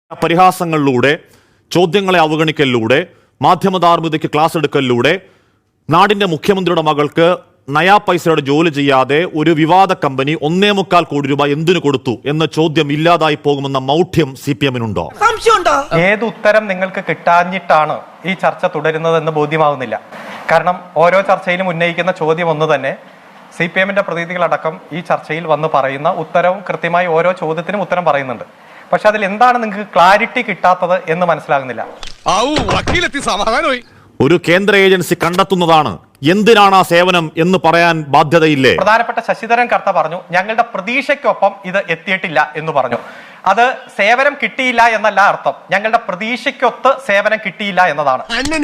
പരിഹാസങ്ങളിലൂടെ, ചോദ്യങ്ങളെ അവഗണിക്കലിലൂടെ, മാധ്യമധാർമ്മികതയ്ക്ക് ക്ലാസ് എടുക്കലിലൂടെ നാടിന്റെ മുഖ്യമന്ത്രിയുടെ മകൾക്ക് നയാ പൈസയുടെ ജോലി ചെയ്യാതെ ഒരു വിവാദ കമ്പനി 1.25 കോടി രൂപ എന്തിനു കൊടുത്തു എന്ന ചോദ്യം ഇല്ലാതായി പോകുമെന്ന മൗഢ്യം CPM-നുണ്ടോ? ഏത് ഉത്തരം നിങ്ങൾക്ക് കിട്ടാഞ്ഞിട്ടാണ് ഈ ചർച്ച തുടരുന്നതെന്ന് ബോധ്യമാവുന്നില്ല. കാരണം ഓരോ ചർച്ചയിലും ഉന്നയിക്കുന്ന ചോദ്യം ഒന്ന് തന്നെ. CPM-ന്റെ പ്രതിനിധികളടക്കം ഈ ചർച്ചയിൽ വന്ന് പറയുന്ന ഉത്തരവും കൃത്യമായി ഓരോ ചോദ്യത്തിനും ഉത്തരം പറയുന്നുണ്ട്. പക്ഷെ അതിൽ എന്താണ് നിങ്ങൾക്ക് ക്ലാരിറ്റി കിട്ടാത്തത് എന്ന് മനസ്സിലാകുന്നില്ല. ഒരു കേന്ദ്ര ഏജൻസി കണ്ടെത്തുന്നതാണ് എന്തിനാണ് ആ സേവനം എന്ന് പറയാൻ ബാധ്യതയില്ലേ? പ്രധാനപ്പെട്ട ശശിധരൻ കർത്ത പറഞ്ഞു ഞങ്ങളുടെ പ്രതീക്ഷയ്ക്കൊപ്പം ഇത് എത്തിയിട്ടില്ല എന്ന് പറഞ്ഞു. അത് സേവനം കിട്ടിയില്ല എന്നല്ല അർത്ഥം, ഞങ്ങളുടെ പ്രതീക്ഷയ്ക്കൊത്ത് സേവനം കിട്ടിയില്ല എന്നതാണ്.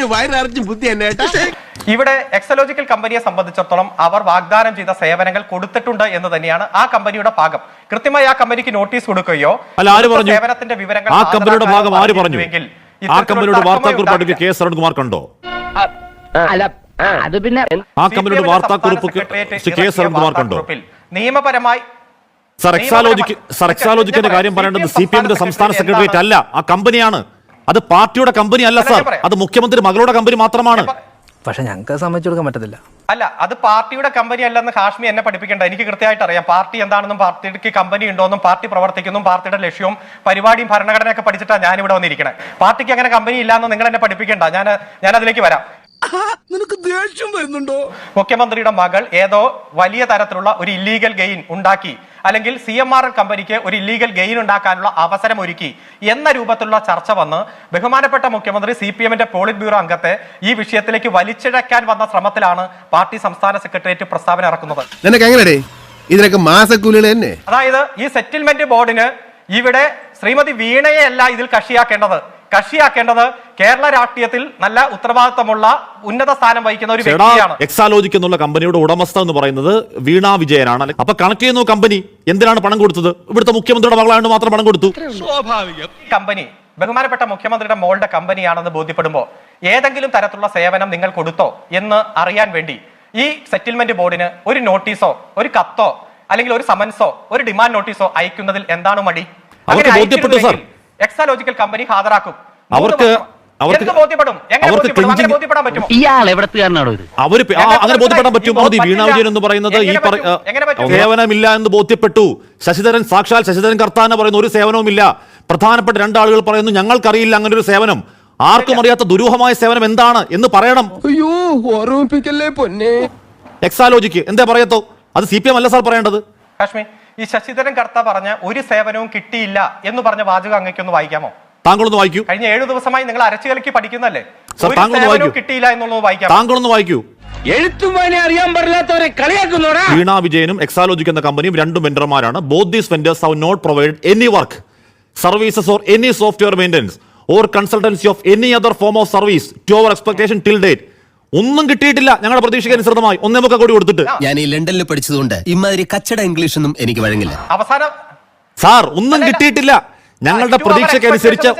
ഇവിടെ എക്സലോജിക്കൽ കമ്പനിയെ സംബന്ധിച്ചിടത്തോളം അവർ വാഗ്ദാനം ചെയ്ത സേവനങ്ങൾ കൊടുത്തിട്ടുണ്ട് എന്ന് തന്നെയാണ് ആ കമ്പനിയുടെ ഭാഗം. കൃത്യമായി ആ കമ്പനിക്ക് നോട്ടീസ് കൊടുക്കുകയോ സേവനത്തിന്റെ വിവരങ്ങൾ ആ കമ്പനിയുടെ ഭാഗം ആര് പറഞ്ഞു? ആ കമ്പനിയുടെ വാർത്താക്കുറിപ്പ് കെ എസ് അരുൺകുമാർ കണ്ടോ? ആ കമ്പനിയുടെ വാർത്താക്കുറിപ്പ് കെ എസ് അരുൺകുമാർ കണ്ടോ? നിയമപരമായി എക്സാലോജിക്കിന്റെ കാര്യം പറയേണ്ടത് CPM-ന്റെ സംസ്ഥാന സെക്രട്ടേറിയറ്റ് അല്ല, ആ കമ്പനിയാണ്. അത് പാർട്ടിയുടെ കമ്പനി അല്ല സാർ, അത് മുഖ്യമന്ത്രി മകളുടെ കമ്പനി മാത്രമാണ്. പക്ഷെ ഞങ്ങൾക്ക് സമ്മതിച്ചു കൊടുക്കാൻ പറ്റത്തില്ല. അല്ല, അത് പാർട്ടിയുടെ കമ്പനി അല്ലെന്ന് ഹാഷ്മി എന്നെ പഠിപ്പിക്കേണ്ട. എനിക്ക് കൃത്യമായിട്ട് അറിയാം പാർട്ടി എന്താണെന്നും പാർട്ടിക്ക് കമ്പനി ഉണ്ടോന്നും പാർട്ടി പ്രവർത്തിക്കുന്നു, പാർട്ടിയുടെ ലക്ഷ്യവും പരിപാടിയും ഭരണഘടനയൊക്കെ പഠിച്ചിട്ടാണ് ഞാൻ ഇവിടെ വന്നിരിക്കണേ. പാർട്ടിക്ക് അങ്ങനെ കമ്പനി ഇല്ലാന്ന് നിങ്ങൾ എന്നെ പഠിപ്പിക്കേണ്ട. ഞാൻ അതിലേക്ക് വരാം. നിനക്ക് ദേഷ്യം വരുന്നുണ്ടോ? മുഖ്യമന്ത്രിയുടെ മകൾ ഏതോ വലിയ തരത്തിലുള്ള ഒരു ഇല്ലീഗൽ ഗെയിൻ ഉണ്ടാക്കി, അല്ലെങ്കിൽ CMRL കമ്പനിക്ക് ഒരു ഇല്ലീഗൽ ഗെയിൻ ഉണ്ടാക്കാനുള്ള അവസരം ഒരുക്കി എന്ന രൂപത്തിലുള്ള ചർച്ച വന്ന് ബഹുമാനപ്പെട്ട മുഖ്യമന്ത്രി CPM-ന്റെ പോളിറ്റ് ബ്യൂറോ അംഗത്തെ ഈ വിഷയത്തിലേക്ക് വലിച്ചിഴക്കാൻ വന്ന ശ്രമത്തിലാണ് പാർട്ടി സംസ്ഥാന സെക്രട്ടേറിയറ്റ് പ്രസ്താവന ഇറക്കുന്നത്. ഇതിനൊക്കെ മാസക്കൂലികൾ തന്നെ. അതായത് ഈ സെറ്റിൽമെന്റ് ബോർഡിന് ഇവിടെ ശ്രീമതി വീണയെ അല്ല ഇതിൽ കക്ഷിയാക്കേണ്ടത് കേരള രാഷ്ട്രീയത്തിൽ നല്ല ഉത്തരവാദിത്തമുള്ള ഉന്നത സ്ഥാനം വഹിക്കുന്ന ഒരു വ്യക്തിയാണ്. എക്സാലോജിക് എന്നുള്ള കമ്പനിയുടെ ഉടമസ്ഥ എന്ന് പറയുന്നത് വീണ വിജയനാണ്. അപ്പൊ കണക്ട് ചെയ്യുന്ന കമ്പനി എന്തിനാണ് പണം കൊടുത്തത്? ഇവിടുത്തെ മുഖ്യമന്ത്രിയുടെ മകളായതുകൊണ്ട് മാത്രം പണം കൊടുത്തു. കമ്പനി ബഹുമാനപ്പെട്ട മുഖ്യമന്ത്രിയുടെ മോളുടെ കമ്പനിയാണെന്ന് ബോധ്യപ്പെടുമ്പോൾ ഏതെങ്കിലും തരത്തിലുള്ള സേവനം നിങ്ങൾ കൊടുത്തോ എന്ന് അറിയാൻ വേണ്ടി ഈ സെറ്റിൽമെന്റ് ബോർഡിന് ഒരു നോട്ടീസോ ഒരു കത്തോ അല്ലെങ്കിൽ ഒരു സമൻസോ ഒരു ഡിമാൻഡ് നോട്ടീസോ അയക്കുന്നതിൽ എന്താണ് മടി? എക്സാലോജിക്കൽ കമ്പനി ഹാജരാക്കും. അങ്ങനെ ബോധ്യപ്പെടാൻ പറ്റും. വീണ വിജയൻ എന്ന് പറയുന്നത് ഈ സേവനമില്ല എന്ന് ബോധ്യപ്പെട്ടു. സാക്ഷാൽ ശശിധരൻ കർത്താന പറയുന്ന ഒരു സേവനവുമില്ല. പ്രധാനപ്പെട്ട രണ്ടാളുകൾ പറയുന്നു ഞങ്ങൾക്കറിയില്ല അങ്ങനെ ഒരു സേവനം. ആർക്കും അറിയാത്ത ദുരൂഹമായ സേവനം എന്താണ് എന്ന് പറയണം. എക്സാലോജിക്ക് എന്താ പറയത്തോ? അത് CPM അല്ല സാർ പറയേണ്ടത്. കാശ്മീർ ഈ ശശിധരൻ കർത്ത പറഞ്ഞ ഒരു സേവനവും കിട്ടിയില്ല എന്ന് പറഞ്ഞ വാചകം അങ്ങേക്കൊന്ന് വായിക്കാമോ? താങ്കളൊന്ന് വായിക്കൂ. കഴിഞ്ഞ 7 ദിവസമായി നിങ്ങൾ അരച്ചുകലക്കി പഠിക്കുന്നല്ലേ? കിട്ടിയില്ല എന്നുള്ളത് വായിക്കാം. താങ്കളൊന്ന് വായിക്കൂ. എഴുത്തുമാനെ അറിയാൻ പാടില്ലാത്തവരെ കളിയാക്കുന്നോടാ. വീണ വിജയനും എക്സാലോജിക് എന്ന കമ്പനിയും രണ്ടും വെണ്ടർമാരാണ്. Both these vendors have not provide any work, services or any software maintenance or consultancy of any other form of service to our expectation till date. ഒന്നും കിട്ടിയിട്ടില്ല. ഞങ്ങളുടെ പ്രതീക്ഷയ്ക്ക് അനുസൃതമായി 1.25 കോടി കൊടുത്തിട്ട്. ഞാൻ ഈ ലണ്ടനിൽ പഠിച്ചതുകൊണ്ട് ഇമാതിരി കച്ചട ഇംഗ്ലീഷ് ഒന്നും എനിക്ക് വഴങ്ങില്ല. അവസാനം സാർ ഒന്നും കിട്ടിയിട്ടില്ല. ഞങ്ങളുടെ പ്രതീക്ഷയ്ക്കനുസരിച്ച്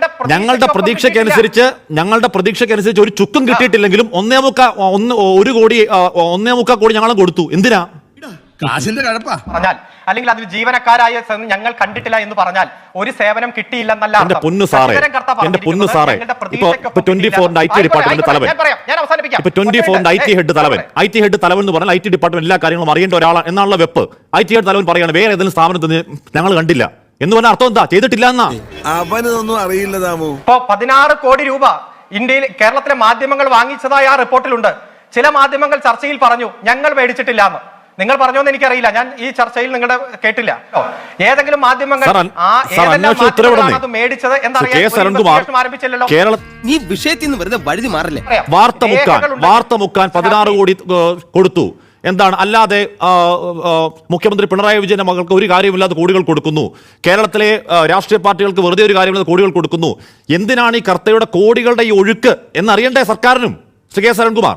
ഒരു ചുക്കും കിട്ടിയിട്ടില്ലെങ്കിലും 1.25 കോടി ഞങ്ങളും കൊടുത്തു. എന്തിനാ? പറഞ്ഞാൽ അല്ലെങ്കിൽ അതിൽ ജീവനക്കാരായ ഞങ്ങൾ കണ്ടിട്ടില്ല എന്ന് പറഞ്ഞാൽ ഒരു സേവനം കിട്ടിയില്ലെന്നല്ല. എന്റെ പൊന്നു സാറേ, ഇപ്പൊ 24 IT ഡിപ്പാർട്ട്മെന്റ് തലവൻ, ഇപ്പൊ 24 IT ഹെഡ് തലവൻ എന്ന് പറഞ്ഞാൽ IT ഡിപ്പാർട്ട്മെന്റ് എല്ലാ കാര്യങ്ങളും അറിയേണ്ട ഒരാളാണ് എന്നുള്ള വെപ്പ്. IT ഹെഡ് തലവൻ പറയാണ് വേറെ ഏതെങ്കിലും സ്ഥാപനത്തിന് ഞങ്ങൾ കണ്ടില്ല എന്ന് പറഞ്ഞ അർത്ഥം എന്താ? ചെയ്തിട്ടില്ല എന്നാ? അവനൊന്നും അറിയില്ല. ഇപ്പൊ 16 കോടി രൂപ ഇന്ത്യയിൽ കേരളത്തിലെ മാധ്യമങ്ങൾ വാങ്ങിച്ചതായി ആ റിപ്പോർട്ടിലുണ്ട്. ചില മാധ്യമങ്ങൾ ചർച്ചയിൽ പറഞ്ഞു ഞങ്ങൾ മേടിച്ചിട്ടില്ല എന്ന്. നിങ്ങൾ പറഞ്ഞോന്ന് എനിക്കറിയില്ല, ഞാൻ ഈ ചർച്ചയിൽ നിങ്ങളുടെ കേട്ടില്ല. ഏതെങ്കിലും മാധ്യമങ്ങൾ മേടിച്ചത് ആരംഭിച്ചില്ലല്ലോ. നീ വിഷയത്തിൽ നിന്ന് വെറുതെ വഴുതി മാറില്ലേ? വാർത്ത മുക്കാൻ 16 കോടി കൊടുത്തു. എന്താണ്? അല്ലാതെ മുഖ്യമന്ത്രി പിണറായി വിജയന്റെ മകൾക്ക് ഒരു കാര്യമില്ലാതെ കോടികൾ കൊടുക്കുന്നു. കേരളത്തിലെ രാഷ്ട്രീയ പാർട്ടികൾക്ക് വെറുതെ ഒരു കാര്യമില്ലാതെ കോടികൾ കൊടുക്കുന്നു. എന്തിനാണ് ഈ കർത്തയുടെ കോടികളുടെ ഈ ഒഴുക്ക് എന്നറിയണ്ടേ സർക്കാരിനും? ശ്രീ കെ അരുൺകുമാർ,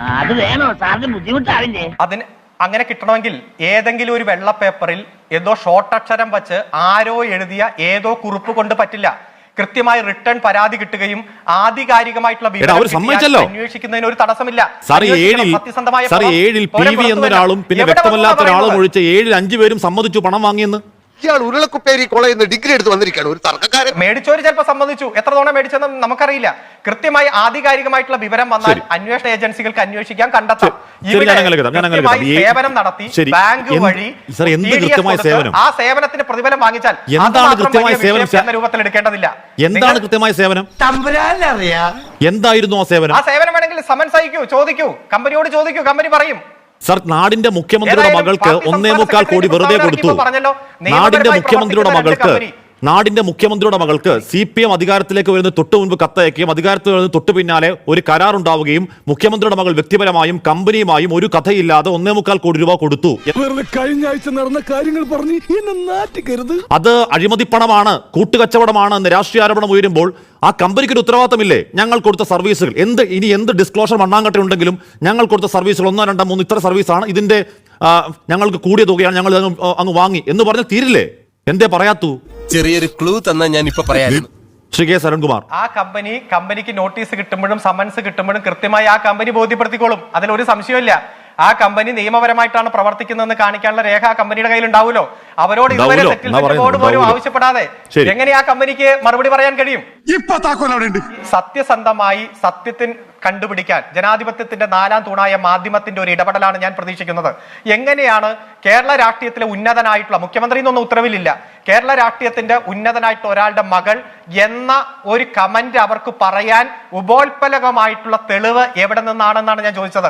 അതിന് അങ്ങനെ കിട്ടണമെങ്കിൽ ഏതെങ്കിലും ഒരു വെള്ള പേപ്പറിൽ ഏതോ ഷോർട്ട് അക്ഷരം വെച്ച് ആരോ എഴുതിയ ഏതോ കുറിപ്പ് കൊണ്ട് പറ്റില്ല. കൃത്യമായി റിട്ടേൺ പരാതി കിട്ടുകയും ആധികാരികമായിട്ടുള്ള അന്വേഷിക്കുന്നതിന് ഒരു തടസ്സമില്ല. എന്നൊരാളും പിന്നെ വ്യക്തമല്ലാത്ത ഒരാളും ഒഴിച്ച് 7-5 പേരും സമ്മതിച്ചു പണം വാങ്ങിയെന്ന്. ഇയാൾ ഉരുളക്കുപ്പേരി കോളേജിൽ നിന്ന് ഡിഗ്രി എടുത്ത് വന്നിരിക്കുകയാണ് ഒരു തർക്കക്കാരൻ. മേടിച്ചവര് ചിലപ്പോൾ സമ്മതിച്ചു, എത്ര തവണ മേടിച്ചെന്ന് നമുക്കറിയില്ല. കൃത്യമായി ആധികാരികമായിട്ടുള്ള വിവരം വന്നാൽ അന്വേഷണ ഏജൻസികൾക്ക് അന്വേഷിക്കാൻ കണ്ടെത്താം. സേവനം നടത്തി ബാങ്ക് വഴി ആ സേവനത്തിന് പ്രതിഫലം വാങ്ങിച്ചാൽ എന്ന രൂപത്തിൽ എടുക്കേണ്ടതില്ല. എന്താണ് കൃത്യമായ സേവനം? എന്തായിരുന്നു ആ സേവനം? ആ സേവനം വേണമെങ്കിൽ സമൻസ് അയക്കൂ, ചോദിക്കൂ, കമ്പനിയോട് ചോദിക്കൂ, കമ്പനി പറയും. സർ, നാടിന്റെ മുഖ്യമന്ത്രിയുടെ മകൾക്ക് 1.25 കോടി വെറുതെ കൊടുത്തു. നാടിന്റെ മുഖ്യമന്ത്രിയുടെ മകൾക്ക് CPM അധികാരത്തിലേക്ക് വരുന്ന തൊട്ട് മുൻപ് കത്തയക്കുകയും അധികാരത്തിൽ വരുന്ന തൊട്ട് പിന്നാലെ ഒരു കരാർ ഉണ്ടാവുകയും മുഖ്യമന്ത്രിയുടെ മകൾ വ്യക്തിപരമായും കമ്പനിയുമായും ഒരു കഥയില്ലാതെ 1.25 കോടി രൂപ കൊടുത്തു. കഴിഞ്ഞ ആഴ്ച നടന്ന കാര്യങ്ങൾ പറഞ്ഞ് എന്നെ നാറ്റിക്കരുത്. അത് അഴിമതിപ്പണമാണ്, കൂട്ടുകച്ചവടമാണ് എന്ന് രാഷ്ട്രീയ ആരോപണം ഉയരുമ്പോൾ ആ കമ്പനിക്ക് ഒരു ഉത്തരവാദിത്തമില്ലേ? ഞങ്ങൾ കൊടുത്ത സർവീസുകൾ എന്ത് ഡിസ്ക്ലോഷർ മണ്ണാങ്കട്ട ഉണ്ടെങ്കിലും ഞങ്ങൾ കൊടുത്ത സർവീസുകൾ 1, 2, 3 ഇത്ര സർവീസാണ്, ഇതിന്റെ ഞങ്ങൾക്ക് കൂടിയ തുകയാണ്, ഞങ്ങൾ അങ്ങ് വാങ്ങി എന്ന് പറഞ്ഞാൽ തീരില്ലേ? എന്തേ പറയാത്തു? ചെറിയൊരു ക്ലൂ തന്നാ ഞാൻ ഇപ്പൊ പറയാം. ശ്രീ കെ സരൺകുമാർ, ആ കമ്പനിക്ക് നോട്ടീസ് കിട്ടുമ്പോഴും സമൻസ് കിട്ടുമ്പോഴും കൃത്യമായി ആ കമ്പനി ബോധ്യപ്പെടുത്തിക്കോളും. അതിലൊരു സംശയമില്ല. ആ കമ്പനി നിയമപരമായിട്ടാണ് പ്രവർത്തിക്കുന്നതെന്ന് കാണിക്കാനുള്ള രേഖ ആ കമ്പനിയുടെ കയ്യിൽ ഉണ്ടാവുമല്ലോ. അവരോട് ഇതുവരെ സെറ്റിൽമെന്റ് ബോർഡ് പോലും ആവശ്യപ്പെടാതെ എങ്ങനെ ആ കമ്പനിക്ക് മറുപടി പറയാൻ കഴിയും? സത്യസന്ധമായി സത്യത്തിന് കണ്ടുപിടിക്കാൻ ജനാധിപത്യത്തിന്റെ 4ാം തൂണായ മാധ്യമത്തിന്റെ ഒരു ഇടപെടലാണ് ഞാൻ പ്രതീക്ഷിക്കുന്നത്. എങ്ങനെയാണ് കേരള രാഷ്ട്രീയത്തിലെ ഉന്നതനായിട്ടുള്ള മുഖ്യമന്ത്രി എന്നൊന്നും ഉത്തരവിലില്ല, കേരള രാഷ്ട്രീയത്തിന്റെ ഉന്നതനായിട്ടുള്ള ഒരാളുടെ മകൾ എന്ന ഒരു കമന്റ് അവർക്ക് പറയാൻ ഉപോത്പലകമായിട്ടുള്ള തെളിവ് എവിടെ നിന്നാണെന്നാണ് ഞാൻ ചോദിച്ചത്.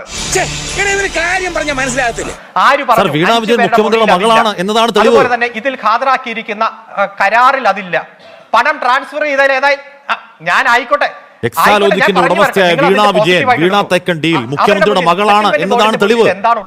അതുപോലെ തന്നെ ഇതിൽ ഹാജരാക്കിയിരിക്കുന്ന കരാറിൽ അതില്ല. പണം ട്രാൻസ്ഫർ ചെയ്താൽ ഏതായി ഞാൻ ആയിക്കോട്ടെ, ഉടമസ്ഥയായ വീണ വിജയൻ, വീണ തെക്കണ്ടിയിൽ മുഖ്യമന്ത്രിയുടെ മകളാണ് എന്നതാണ് തെളിവ്.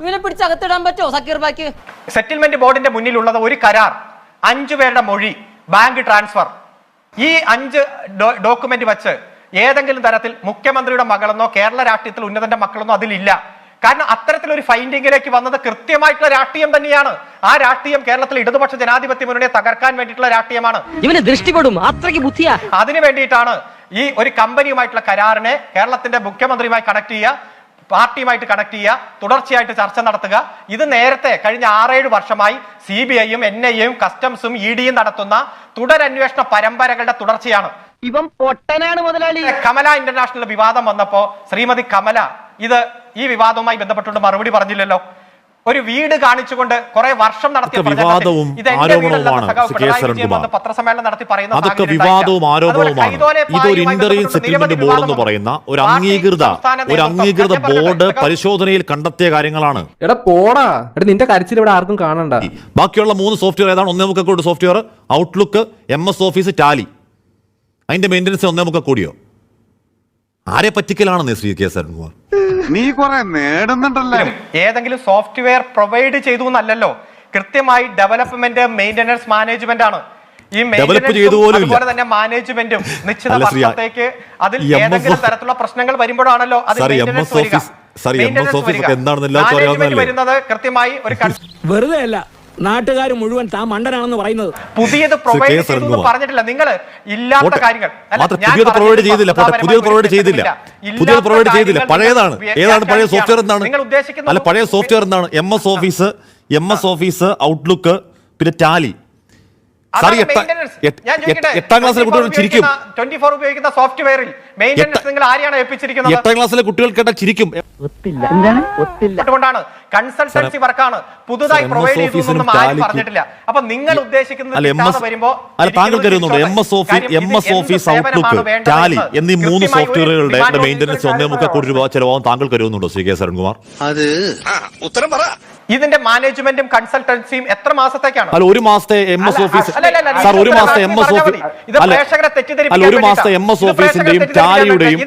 സെറ്റിൽമെന്റ് ബോർഡിന്റെ മുന്നിലുള്ളത് ഒരു കരാർ, 5 പേരുടെ മൊഴി, ബാങ്ക് ട്രാൻസ്ഫർ. ഈ 5 ഡോക്യുമെന്റ് വെച്ച് ഏതെങ്കിലും തരത്തിൽ മുഖ്യമന്ത്രിയുടെ മകളെന്നോ കേരള രാഷ്ട്രീയത്തിൽ ഉന്നതന്റെ മക്കളെന്നോ അതിലില്ല. കാരണം അത്തരത്തിലൊരു ഫൈൻഡിങ്ങിലേക്ക് വന്നത് കൃത്യമായിട്ടുള്ള രാഷ്ട്രീയം തന്നെയാണ്. ആ രാഷ്ട്രീയം കേരളത്തിലെ ഇടതുപക്ഷ ജനാധിപത്യ മുന്നണിയെ തകർക്കാൻ വേണ്ടിയിട്ടുള്ള രാഷ്ട്രീയമാണ്. ഇവനെ ദൃഷ്ടിപ്പെടും, അത്രയ്ക്ക് ബുദ്ധിയാ. അതിനു വേണ്ടിയിട്ടാണ് ഈ ഒരു കമ്പനിയുമായിട്ടുള്ള കരാറിനെ കേരളത്തിന്റെ മുഖ്യമന്ത്രിയുമായി കണക്ട് ചെയ്യുക, പാർട്ടിയുമായിട്ട് കണക്ട് ചെയ്യുക, തുടർച്ചയായിട്ട് ചർച്ച നടത്തുക. ഇത് നേരത്തെ കഴിഞ്ഞ 6-7 വർഷമായി CBIയും NIAയും കസ്റ്റംസും EDയും നടത്തുന്ന തുടരന്വേഷണ പരമ്പരകളുടെ തുടർച്ചയാണ്. ഇവൻ പൊട്ടനാണ് മുതലാളി. കമല ഇന്റർനാഷണൽ വിവാദം വന്നപ്പോ ശ്രീമതി കമല ഈ വിവാദവുമായി ബന്ധപ്പെട്ടുകൊണ്ട് മറുപടി പറഞ്ഞില്ലല്ലോ. ഒരു വീട് കാണിച്ചുകൊണ്ട് കുറെ വർഷം നടത്തിയ വിവാദവും ആരോപണവുമാണ് പത്രസമ്മേളനം നടത്തി പറയുന്ന അതൊക്കെ വിവാദവും ആരോപണവുമാണ്. ഇതൊരു ഇന്റർവ്യൂ സെറ്റിൽമെന്റ് ബോർഡ് എന്ന് പറയുന്ന ഒരു അംഗീകൃത ബോർഡ് പരിശോധനയിൽ കണ്ടെത്തിയ കാര്യങ്ങളാണ്. എടാ പോടാ, നിന്റെ കരച്ചിൽ ഇവിടെ ആർക്കും കാണണ്ട. ബാക്കിയുള്ള 3 സോഫ്റ്റ്വെയർ ഏതാണ്? 1.25 crore software, Outlook, MS office, Tally. അതിന്റെ മെയിൻ്റനൻസ് 1.25 കോടിയോ? ആരെ പറ്റിക്കലാണെന്ന് ശ്രീ കെ സരൺകുമാർ? നീ കുറെ നേടുന്നുണ്ടല്ലോ. ഏതെങ്കിലും സോഫ്റ്റ്വെയർ പ്രൊവൈഡ് ചെയ്തു എന്നല്ലല്ലോ, കൃത്യമായി ഡെവലപ്മെന്റ്, മെയിന്റനൻസ്, മാനേജ്മെന്റ് ആണ്. ഈ അതുപോലെ തന്നെ മാനേജ്മെന്റും നിശ്ചിത വർഷത്തേക്ക് അതിൽ ഏതെങ്കിലും തരത്തിലുള്ള പ്രശ്നങ്ങൾ വരുമ്പോഴാണല്ലോ അത് വരുന്നത്. കൃത്യമായി ഒരു വെറുതെ അല്ല നാട്ടുകാർ മുഴുവൻ താൻ മണ്ടനാണെന്ന് പറയുന്നത്. പുതിയത് പ്രൊവൈഡ് ചെയ്തു പറഞ്ഞിട്ടില്ല. നിങ്ങൾ ഇല്ലാത്ത കാര്യങ്ങൾ പുതിയത് പ്രൊവൈഡ് ചെയ്തില്ല. പഴയതാണ്. ഏതാണ് പഴയ സോഫ്റ്റ്വെയർ? എന്താണ് അല്ല പഴയ സോഫ്റ്റ്വെയർ? എന്താണ്? MS ഓഫീസ്, ഔട്ട്ലുക്ക്, പിന്നെ ടാലി. 8ാം ക്ലാസ്സിലെ കുട്ടികൾ ചിരിക്കും. 24 ഉപയോഗിക്കുന്ന സോഫ്റ്റ്വെയറിൽ മെയിൻ്റനൻസ് നിങ്ങൾ ആരെയാണ് ഏൽപ്പിച്ചിരിക്കുന്നത്? 8ാം ക്ലാസ്സിലെ കുട്ടികൾ കേട്ടാൽ ചിരിക്കും. അതുകൊണ്ടാണ് കൺസൾട്ടൻസി വർക്കാണ് പുതുതായി പ്രൊവൈഡ് ചെയ്തതെന്നും ആരും പറഞ്ഞിട്ടില്ല. അപ്പൊ നിങ്ങൾ ഉദ്ദേശിക്കുന്നത് വരുമ്പോ താങ്കൾ കരുതുന്നുണ്ട് MS ഓഫീസ്, ഔട്ട്ലുക്ക്, ടാലി എന്നീ 3 സോഫ്റ്റ്വെയറുകളുടെ മെയിൻ്റനൻസ് 1.25 കോടി രൂപ ചെലവാകും താങ്കൾ കരുതുന്നുണ്ടോ ശ്രീ കെ സരൺകുമാർ? അത് ഉത്തരം പറ. ഇതിന്റെ മാനേജ്മെന്റും കൺസൾട്ടൻസിയും എത്ര മാസത്തേക്കാണ്? അല്ല, ഒരു മാസത്തെ MS ഓഫീസ് സാർ, ഒരു മാസത്തെ MS ഓഫീസ് അല്ല, ഒരു മാസത്തെ MS ഓഫീസിന്റെയും ടാലിയുടെയും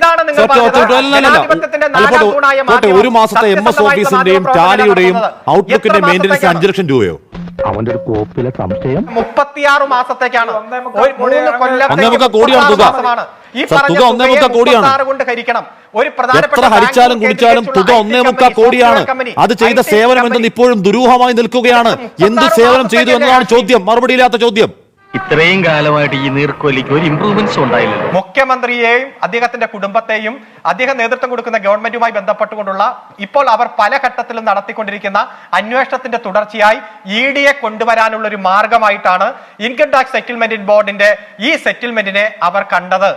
ഒരു മാസത്തെ MS ഓഫീസിന്റെയും ടാലിയുടെയും ഔട്ട്ലുക്കിന്റെ മെയിൻ്റനൻസ് 5 ലക്ഷം രൂപയോ? അവന്റെ ഒരു കോപ്പിലെ സംശയം 36 മാസത്തേക്കാണ്. 3 കൊല്ലത്തെ തുക 1.25 കോടിയാണ്. എത്ര ഹരിച്ചാലും കുടിച്ചാലും തുക 1.25 കോടിയാണ്. അത് ചെയ്ത സേവനം എന്തെന്ന് ഇപ്പോഴും ദുരൂഹമായി നിൽക്കുകയാണ്. എന്ത് സേവനം ചെയ്തു എന്നതാണ് ചോദ്യം, മറുപടിയില്ലാത്ത ചോദ്യം. ഇത്രയും കാലമായിട്ട് ഈ നീർക്കോലിക്ക് ഒരു ഇംപ്രൂവ്മെന്റ്സ് ഉണ്ടായില്ലല്ലോ. മുഖ്യമന്ത്രിയെയും അദ്ദേഹത്തിന്റെ കുടുംബത്തെയും അദ്ദേഹം നേതൃത്വം കൊടുക്കുന്ന ഗവൺമെന്റുമായി ബന്ധപ്പെട്ടുകൊണ്ടുള്ള ഇപ്പോൾ അവർ പല ഘട്ടത്തിലും നടത്തിക്കൊണ്ടിരിക്കുന്ന അന്വേഷണത്തിന്റെ തുടർച്ചയായി ED കൊണ്ടുവരാനുള്ള ഒരു മാർഗമായിട്ടാണ് ഇൻകം ടാക്സ് സെറ്റിൽമെന്റ് ബോർഡിന്റെ ഈ സെറ്റിൽമെന്റിനെ അവർ കണ്ടത്.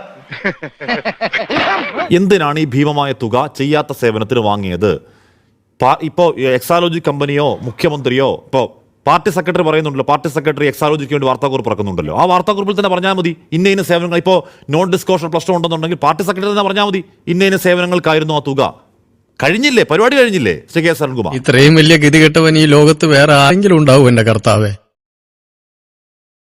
എന്തിനാണ് ഈ ഭീമമായ തുക ചെയ്യാത്ത സേവനത്തിന് വാങ്ങിയത്? ഇപ്പോ എക്സാലോജി കമ്പനിയോ മുഖ്യമന്ത്രിയോ ഇപ്പോ പാർട്ടി സെക്രട്ടറി പറയുന്നുണ്ടല്ലോ, പാർട്ടി സെക്രട്ടറി എക്സാലോജിക്ക് വേണ്ടി വാർത്താക്കുറിപ്പ് ഇറക്കുന്നുണ്ടല്ലോ, ആ വാർത്താക്കുറിപ്പിൽ തന്നെ പറഞ്ഞാൽ മതി ഇന്ന സേവനങ്ങൾ. ഇപ്പോൾ നോൺ ഡിസ്ക്ലോഷർ പ്രശ്നം ഉണ്ടെന്നുണ്ടെങ്കിൽ പാർട്ടി സെക്രട്ടറി തന്നെ പറഞ്ഞാൽ മതി ഇന്ന സേവനങ്ങൾക്കായിരുന്നു ആ തുക. കഴിഞ്ഞില്ലേ? പരിപാടി കഴിഞ്ഞില്ലേ? ശ്രീ കെ. സരൺകുമാർ, ഇത്രയും വലിയ ഗതികെട്ടവൻ ഈ ലോകത്ത് വേറെ ആരെങ്കിലും ഉണ്ടാവും എന്റെ കർത്താവേ?